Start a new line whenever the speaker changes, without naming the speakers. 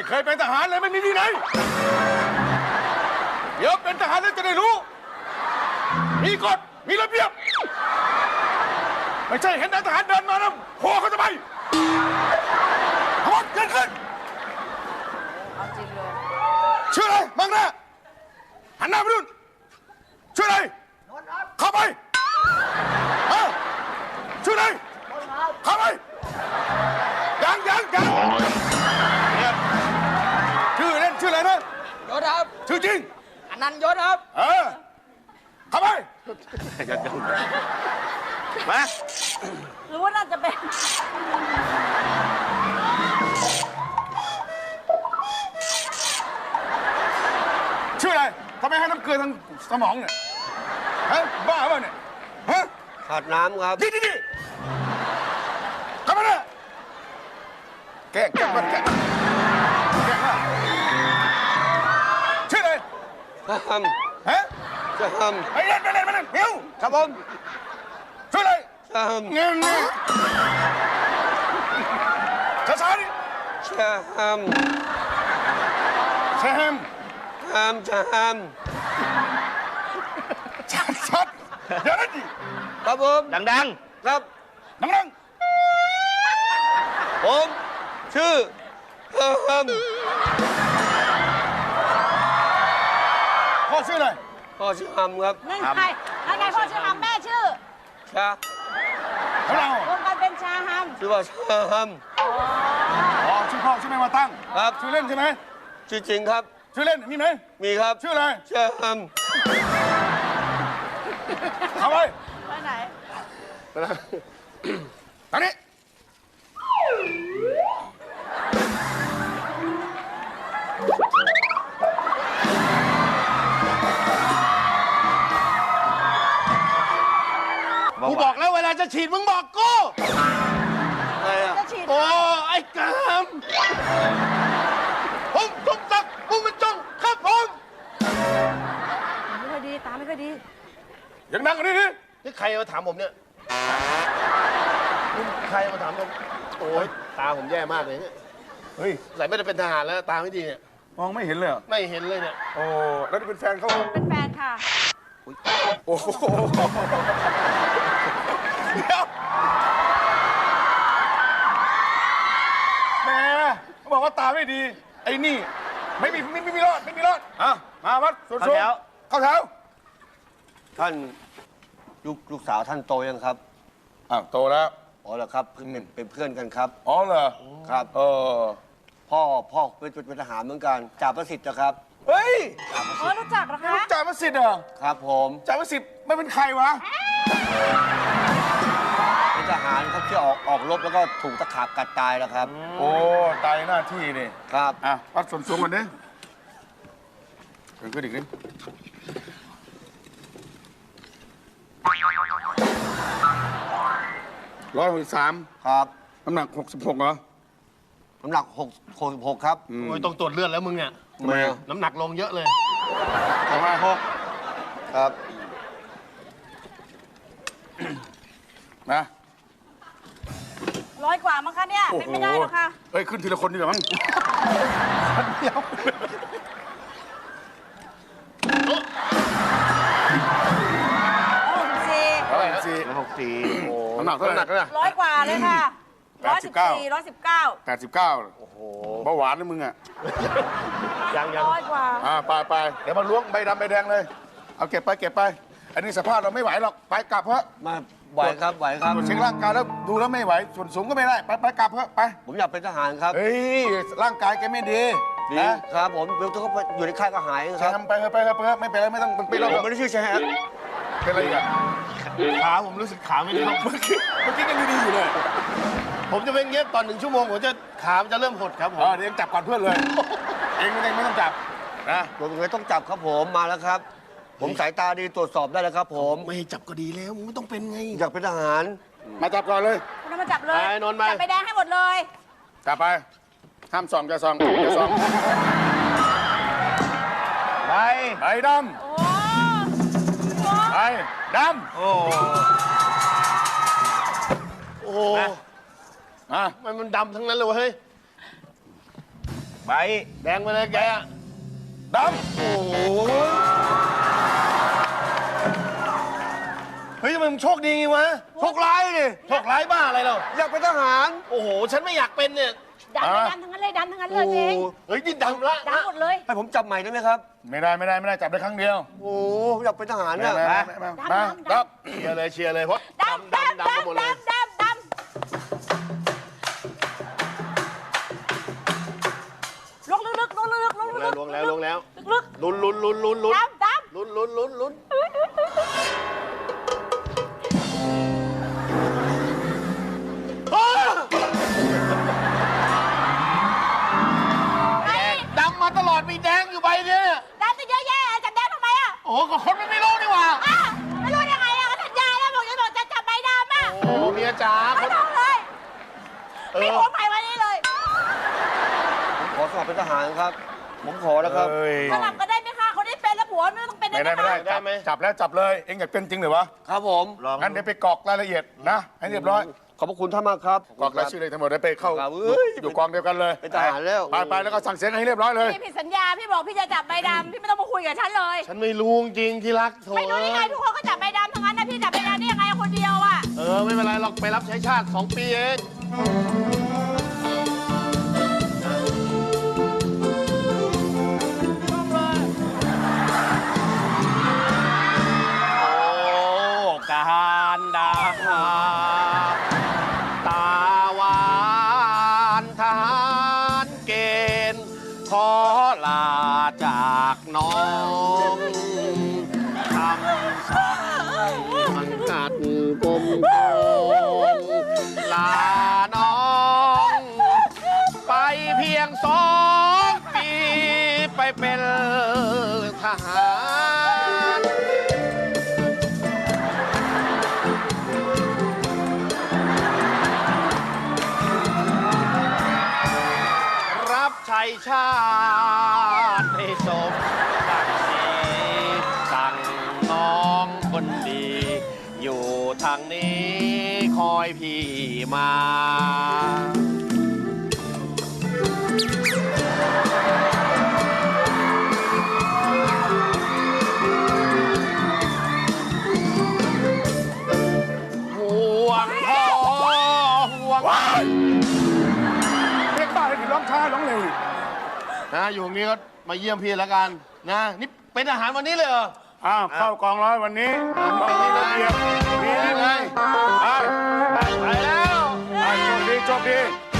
เคยเป็นทหารเลยไม่มีวินัยเดี๋ยวเป็นทหารแล้วจะได้รู้มีกฎมีระเบียบไม่ใช่เห็นนายทหารเดินมาแล้วโผล่เขาจะไปทั้งหมดเกินขึ้น
เอาจริงเลย
ชื่ออะไรมังหน้าหันหน้าไปดูชื่ออะไรเข้าไปชื่ออะไรเข้าไปยังเนี่ยชื่อเล่นชื่ออะไรนะ
ยศครับ
ชื่อจริง
อนันต์ยศครับ
เข้าไปมา
หรือว่าน่าจะเป็น
ชื่ออะไรทำไมให้น้ำเกลือทางสมองเนี่ยฮะบ้าเปล่าเนี่ยฮะ
ขาดน้ำครับ
ดีเข้ามาเลยแกะมันชื่ออะไรฮะไปเล่นเดี๋ยว
ครับผม
ชื่ออะไรเงี้ยช้าดิ
แชม
ชัดเดี๋ยวนั่นดิ
ครับผม
ดัง
ๆครับ
ดัง
ผมชื่อ
พ่อชื่ออะไร
พ่อชื่อฮัมครับ
นั่นไงพ่อชื่อฮัมแม่ชื่อ
ชา
ของเรา
รวมกันเป็นชาฮัม
ชื่อว่าชาฮัม
อ๋อชื่อพ่อชื่อแม่มาตั้ง
ครับ
ชื่อเล่นใช่ไหม
ชื่อจริงครับ
ชื่อเล่นมีไหม
มีครับ
ชื่ออะไร
ชาฮัม
เอาไป
ไหน
ทางนี้
กูบอกแล้วเวลาจะฉีดมึงบอกกู
อะไรอ่ะ
โอ้ไอ้กามผมสมศักดิ์มุ่งบรรจงครับผม
ไม่ค่อยดีตาไม่ค่อยดี
ยังนั่งกันนี่
นี่ใครมาถามผมเนี่ยใครมาถามผมโอ้ยตาผมแย่มากเลยเนี่ย
เฮ้ย
ใส่ไม่ได้เป็นทหารแล้วตาไม่ดีเนี่ย
มองไม่เห็นเลย
ไม่เห็นเลยเนี่ย
โอ้แล้วนี่เป็นแฟนเขา
เป็นแฟนค่ะ
โอ้โหเดี๋ยวแม่เขาบอกว่าตาไม่ดีไอ้นี่ไม่มีรอดมาวัดส่วนสูงเข้าแถว
ท่านลูกสาวท่านโตยังครับ
โตแล้ว
อ๋อเหรอครับเป็นเพื่อนกันครับ
อ๋อเหรอ
ครับพ่อเป็นทหารเหมือนกันจ่าประสิทธิ์นะครับ
เฮ้ย
รู้จักเหรอคะ
จ่าประสิทธิ์เหรอ
ครับผม
จ่าประสิทธิ์ไม่เป็นใครวะ
เป็นทหารครับที่ออกรบแล้วก็ถูกตะขาบกัดตายแล้วครับ
โอ้ตายหน้าที่นี่
ครับ
วัดส่วนสูงกันดิขึ้นอีกนิด163
ครับ
น้ำหนัก66เหรอ
น้ำหนัก66ครับ
โอ้ยต้องตรวจเลือดแล้วมึงเนี่ยน้ำหนักลงเยอะเลย
6ครับ
นะ
100 กว่ามั้งคะเนี่ยเป็นไม่ได้หรอกค่ะ
เฮ้ยขึ้นทีละคนดีกว่ามั้งเดียว
64โอ้
น้ำหนักเท่าไหร่
100 กว่าเลยค่ะ119
โอ้โหเบาหวานเลยมึงอ่ะ
ยัง
100 กว่า
ไปเดี๋ยวมาล้วงใบดำใบแดงเลยเอาเก็บไปอันนี้สภาพเราไม่ไหวหรอกไปกลับเพราะ
มาไหวครับตร
วจเช็คร่างกายแล้วดูแล้วไม่ไหวส่วนสูงก็ไม่ได้ไปกลับเพราะไป
ผมอยากเป็นทหารครับ
เฮ้ยร่างกายแกไม่ดี
นะครับผมเวลาเขาอยู่ในค่ายก็หายครับ
ไปไม่เป็นไรไม่ต้องเป็นเรา
ผมไม่ได้ชื่อแชมป์
เป็นอะไรอ่ะ
ขาผมรู้สึกขาไม่ดีเมื่อกี้
ยังดีอยู่เลย
ผมจะเป็นเงี้ยตอน1 ชั่วโมงผมจะขามันจะเริ่มหดครับผม
เดี๋ยวจับก่อนเพื่อนเลยเองไม่ต้องจับ
นะผมเลยต้องจับครับผมมาแล้วครับผมสายตาดีตรวจสอบได้แล้วครับผม
ไม่จับก็ดีแล้วมึงไม่ต้องเป็นไง
อยากเป็นทหาร
มาจับก่อนเลย
คุณมาจับเลยจับไปแดงให้หมดเลย
จับไปห้ามส่องจะส่อง
ใบ
ดำใบดำโอ้
มันดำทั้งนั้นเลยเฮ้ย
ใบ
แดงไปเลยแกอะ
ด
โอ้โห
เฮ้ยทำไมมึงโชคดีไงวะ
โชคร้ายดิ
โชคร้ายบ้าอะไรเรา
อยากเป็นทหาร
โอ้โห ฉันไม่อยากเป็นเนี่ย
ดันไปดันทั้งนั้นเลยดันทั้งนั้นเล
โอ้
ย
โห
เอง
เฮ้ยนี่ดำละ
ดันหมดเลย
ให้ผมจับใหม่ได้ไหมครับ
ำไม่ได้จับได้ครั้งเดียว
โอ้โหผมอยากเป็นทหารเนี่ย
มาครับ
เชียร์เลยเพราะ
ดำ
ดำไปหมดเลย
ลงลึกๆลงลึกๆลงลึกๆ
ลงแล้ว
ลึก
ลุ้น
ๆดำ
ลุ้นดำมาตลอดมีแดงอยู่ใบเนี่ย
ดำจะเยอะแยะจับแดงทำไมอ่ะ
โอ้โหก็คนมันไม่รู้นี่หว่า
ไม่รู้ยังไงอ่ะก็สัญญาแล้วบอกจะจับใบดำอ่ะ
โอ้เมียจ๋า
ไม่ต้องเลยมีผัวใหม่วันนี้เลย
ผมขอสมัครเป็นทหารครับ ผมขอนะครับ
สลับก็ได้ไหมคะคนที่เป็นแล้วผัวไม่ต้องเป็นได้
ไม่
ไหม
ได้
คะ
จับแล้วจับเลยเอ็งอยากเป็นจริงหรือวะ
ครับผม
งั้นเดี๋ยวไปกรอกรายละเอียดนะให้เรียบร้อย
ขอบพระคุณท่านมากครับ
กรอกรายชื่อเลยทั้งหมดได้ไปเข้า
ครับเอ้ย
อยู่กองเดียวกันเลย
เป็นทหารแล้ว
ไปแล้วก็สั่งเสียงให้เรียบร้อยเลย
พี่ผิดสัญญาพี่บอกพี่จะจับใบดำพี่ไม่ต้องมาคุยกับฉันเลย
ฉันไม่รู้จริงที่รักโถ
ไม่รู้ยังไงทุกคนก็จับใบดำทั้งนั้นนะพี่จับใบดำได้ยังไงคนเดียวอ่ะ
ไม่เป็นไรหรอกไปรับใช้ชาติ 2 ปีเองการดาตาหวานทหารเกณฑ์ขอลาจากน้องคำสั่งมันกัดกลมกองลาน้องไปเพียง2 ปีไปเป็นทหารรับใช้ชาติให้สมศักดิ์ศรีสั่งน้องคนดี อยู่ทางนี้คอยพี่มา ห่วงพ่อห่วง
เรียกบ้าให้ถึงร้องช้าร้องเร็ว
นะอยู่ตรงนี้ก็มาเยี่ยมพี่แล้วกันนะ นี่เป็นอาหารวันนี้เลยเหรอ
อ้าวเข้ากองร้อยวันนี้ต้องมีระเบียบมีวินัยไป
ไปแล้ว
โชคดี